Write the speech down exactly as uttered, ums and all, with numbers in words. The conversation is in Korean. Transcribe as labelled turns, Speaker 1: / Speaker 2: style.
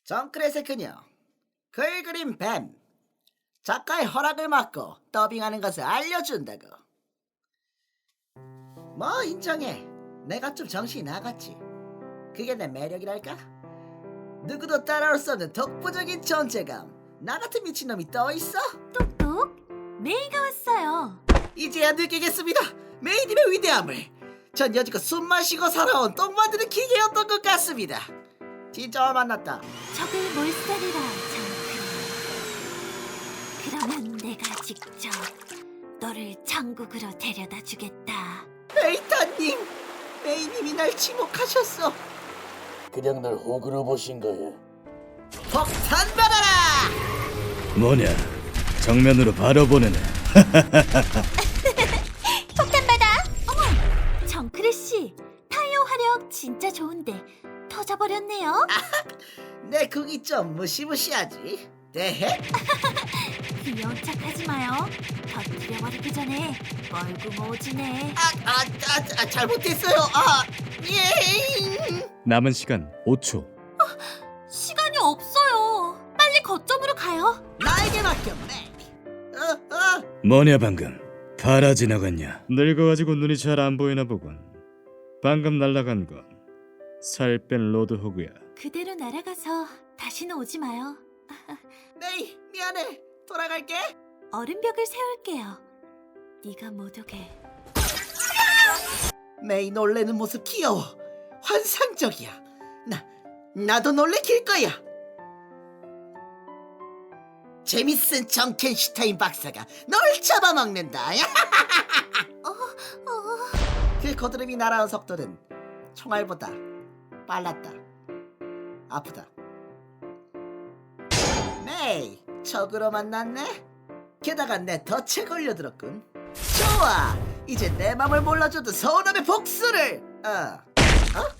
Speaker 1: 정크렛의 그녀, 글 그린 뱀. 작가의 허락을 받고 더빙하는 것을 알려준다고. 뭐 인정해. 내가 좀 정신이 나갔지. 그게 내 매력이랄까? 누구도 따라올 수 없는 독보적인 존재감. 나 같은 미친놈이 또 있어?
Speaker 2: 똑똑, 메이가 왔어요.
Speaker 1: 이제야 느끼겠습니다. 메이님의 위대함을. 전 여지껏 숨 마시고 살아온 똥 만드는 기계였던 것 같습니다. 진짜 만났다.
Speaker 2: 적을 몰살이라 정크. 그러면 내가 직접 너를 천국으로 데려다 주겠다.
Speaker 1: 메이타님, 메이님이 날 지목하셨어.
Speaker 3: 그냥 날 호구로 보신 거야.
Speaker 1: 폭탄 받아라!
Speaker 4: 뭐냐? 정면으로 바로 보내네.
Speaker 2: 폭탄 받아. 어머, 정크레 씨, 타이어 화력 진짜 좋은데 터져버렸네요.
Speaker 1: 내 궁이 좀 무시무시하지. 대해?
Speaker 2: 귀여운 척하지 마요. 터뜨려버리기 전에 멀고 오지네.
Speaker 1: 아, 아, 아, 아, 잘못했어요. 아, 예.
Speaker 4: 남은 시간 오 초.
Speaker 2: 시간이 없어요. 빨리 거점으로 가요.
Speaker 1: 나에게 맡겨, 메이. 어, 어.
Speaker 4: 뭐냐 방금? 바라 지나갔냐? 늙어가지고 눈이 잘 안 보이나 보군. 방금 날아간 건 살 뺀 로드호그야.
Speaker 2: 그대로 날아가서 다시는 오지 마요.
Speaker 1: 메이, 미안해. 돌아갈게.
Speaker 2: 얼음벽을 세울게요. 네가 못 오게.
Speaker 1: 메이 놀래는 모습 귀여워. 환상적이야. 나, 나도 놀래킬 거야. 재밌은 정켄슈타인 박사가 널 잡아먹는다.
Speaker 2: 어, 어.
Speaker 1: 그 거드름이 날아온 속도는 총알보다 빨랐다. 아프다. 메이, 적으로 만났네? 게다가 내 덫에 걸려들었군. 좋아, 이제 내 맘을 몰라줘도 서운함의 복수를. 어, 어?